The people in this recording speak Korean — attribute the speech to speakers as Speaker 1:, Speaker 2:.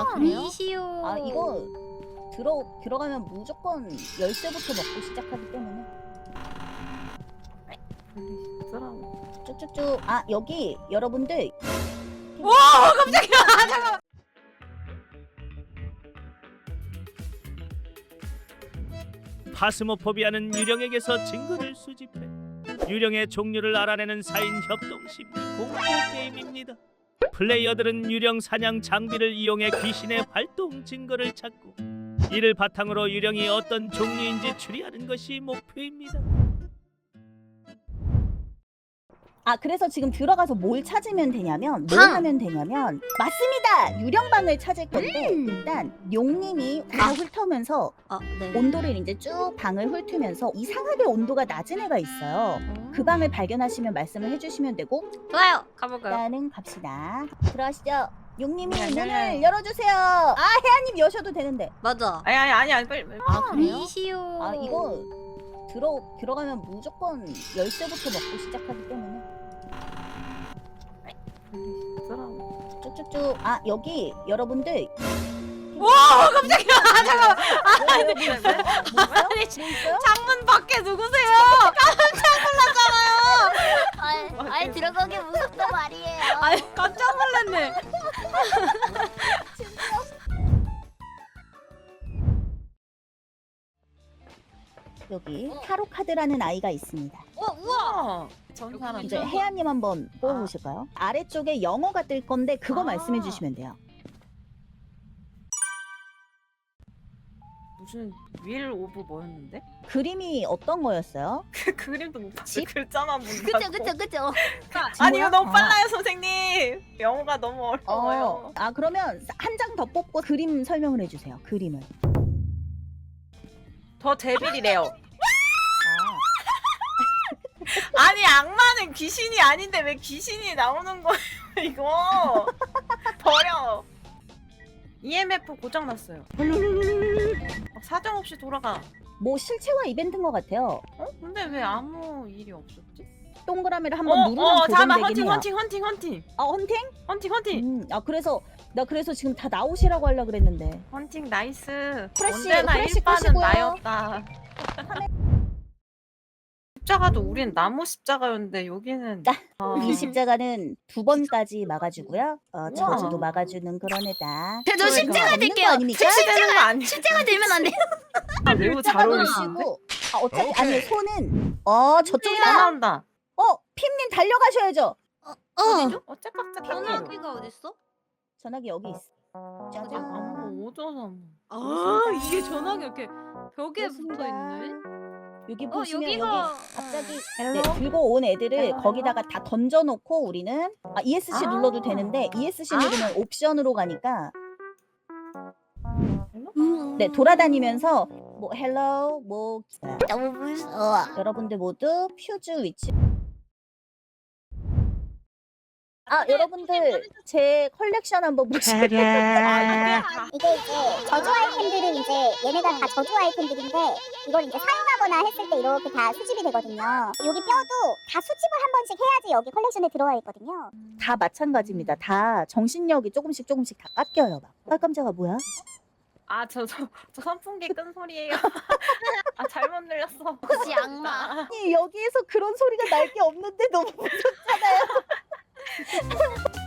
Speaker 1: 그래요?
Speaker 2: 미시오.
Speaker 3: 아 이거 들어가면 무조건 열쇠부터 먹고 시작하기 때문에
Speaker 1: 쓰라고.
Speaker 3: 쭉쭉쭉. 아 여기 여러분들
Speaker 2: 와 깜짝이야. 잠깐만.
Speaker 4: 파스모포비아는 유령에게서 증거를 수집해 유령의 종류를 알아내는 4인 협동심리 공포 게임입니다. 플레이어들은 유령 사냥 장비를 이용해 귀신의 활동 증거를 찾고 이를 바탕으로 유령이 어떤 종류인지 추리하는 것이 목표입니다.
Speaker 3: 아 그래서 지금 들어가서 뭘 찾으면 되냐면 뭘
Speaker 2: 방!
Speaker 3: 하면 되냐면 맞습니다. 유령방을 찾을 건데 일단 용님이 방을 훑으면서
Speaker 2: 네.
Speaker 3: 온도를 이제 쭉 방을 훑으면서 이상하게 온도가 낮은 애가 있어요. 그 방을 발견하시면 말씀을 해주시면 되고
Speaker 2: 좋아요. 가볼까요?
Speaker 3: 일단은 갑시다. 들어가시죠. 용님이
Speaker 1: 아니,
Speaker 3: 문을
Speaker 1: 아니.
Speaker 3: 열어주세요. 아 혜아님 여셔도 되는데.
Speaker 2: 맞아.
Speaker 1: 아니 빨리.
Speaker 3: 아 그래요?
Speaker 2: 미시오.
Speaker 3: 아 이거 들어가면 무조건 열쇠부터 먹고 시작하기 때문에
Speaker 1: 쓰라고.
Speaker 3: 쭉쭉쭉. 아 여기 여러분들
Speaker 2: 와 깜짝이야. 잠깐만.
Speaker 3: 뭐 있어요?
Speaker 2: 아니
Speaker 3: 뭐 있어요?
Speaker 2: 창문 밖에 누구세요? 깜짝 놀랐잖아요.
Speaker 5: 아니 들어가기 무섭단 말이에요.
Speaker 2: 아니 깜짝 놀랐네.
Speaker 3: 여기 타로 카드라는 아이가 있습니다.
Speaker 2: 우와.
Speaker 1: 전 사람.
Speaker 3: 이제 혜아님 한번 뽑아보실까요? 아래쪽에 영어가 뜰 건데 그거
Speaker 1: 아.
Speaker 3: 말씀해 주시면 돼요.
Speaker 1: 무슨 윌 오브 뭐였는데?
Speaker 3: 그림이 어떤 거였어요?
Speaker 1: 그 그림도 못 봤어.
Speaker 3: 집?
Speaker 1: 글자만 본다고.
Speaker 5: 그쵸.
Speaker 1: 아니 이거 너무
Speaker 3: 아.
Speaker 1: 빨라요 선생님. 영어가 너무 어려워요.
Speaker 3: 아 그러면 한 장 더 뽑고 그림 설명을 해주세요. 그림을.
Speaker 1: 더 데빌이래요.
Speaker 3: 아,
Speaker 1: 아니 악마는 귀신이 아닌데 왜 귀신이 나오는 거예요 이거. 버려. EMF 고장났어요. 사정없이 돌아가.
Speaker 3: 뭐 실체화 이벤트인 것 같아요.
Speaker 1: 어? 근데 왜 아무 일이 없었지?
Speaker 3: 동그라미를 한번 누르면
Speaker 1: 잠깐만.
Speaker 3: 고정되긴 해요.
Speaker 1: 헌팅.
Speaker 3: 아 헌팅?
Speaker 1: 헌팅.
Speaker 3: 아 나 그래서 지금 다 나오시라고 하려 그랬는데.
Speaker 1: 헌팅 나이스.
Speaker 3: 프레쉬,
Speaker 1: 언제나
Speaker 3: 프레쉬
Speaker 1: 일반은
Speaker 3: 끄시고요.
Speaker 1: 나였다. 십자가도 우린 나무 십자가였는데 여기는
Speaker 3: 이 십자가는 두 번까지 막아주고요. 저주도
Speaker 1: 우와.
Speaker 3: 막아주는 그런 애다.
Speaker 2: 저 십자가
Speaker 3: 없는 거
Speaker 2: 될게요.
Speaker 3: 아닙니까?
Speaker 1: 되는 거 아니야?
Speaker 2: 십자가 들면 안 돼.
Speaker 1: 매우 잘 어울리시는데?
Speaker 3: 그리고 어차피 아니 손은
Speaker 1: 다
Speaker 3: 저쪽이다.
Speaker 1: 나온다.
Speaker 3: 핌님 달려가셔야죠.
Speaker 1: 짝짝짝
Speaker 2: 전화기가 어딨어?
Speaker 3: 전화기 여기 있어. 짜잔.
Speaker 1: 뭐 어쩌서
Speaker 2: 아 이게 전화기 이렇게 벽에
Speaker 3: 그렇습니다.
Speaker 2: 붙어 있네.
Speaker 3: 여기 보시면
Speaker 2: 여기가
Speaker 3: 여기 갑자기
Speaker 1: 헬로?
Speaker 3: 들고 온 애들을
Speaker 1: 헬로,
Speaker 3: 거기다가 다 던져놓고 우리는 ESC 눌러도 되는데 ESC 누르면 옵션으로 가니까 네 돌아다니면서 뭐 헬로 뭐
Speaker 5: 너무 무서워.
Speaker 3: 여러분들 모두 퓨즈 위치. 여러분들 제 컬렉션 한번 보시면
Speaker 5: 이게 이제 저주 아이템들은 이제 얘네가 다 저주 아이템들인데 이걸 이제 사용하거나 했을 때 이렇게 다 수집이 되거든요. 여기 뼈도 다 수집을 한 번씩 해야지 여기 컬렉션에 들어와 있거든요.
Speaker 3: 다 마찬가지입니다. 다 정신력이 조금씩 다 깎여요. 막. 깜짝아 뭐야?
Speaker 1: 저 선풍기 끈 소리예요. 잘못 늘렸어.
Speaker 5: 혹시 악마.
Speaker 3: 아니 여기에서 그런 소리가 날 게 없는데 너무 무섭잖아요.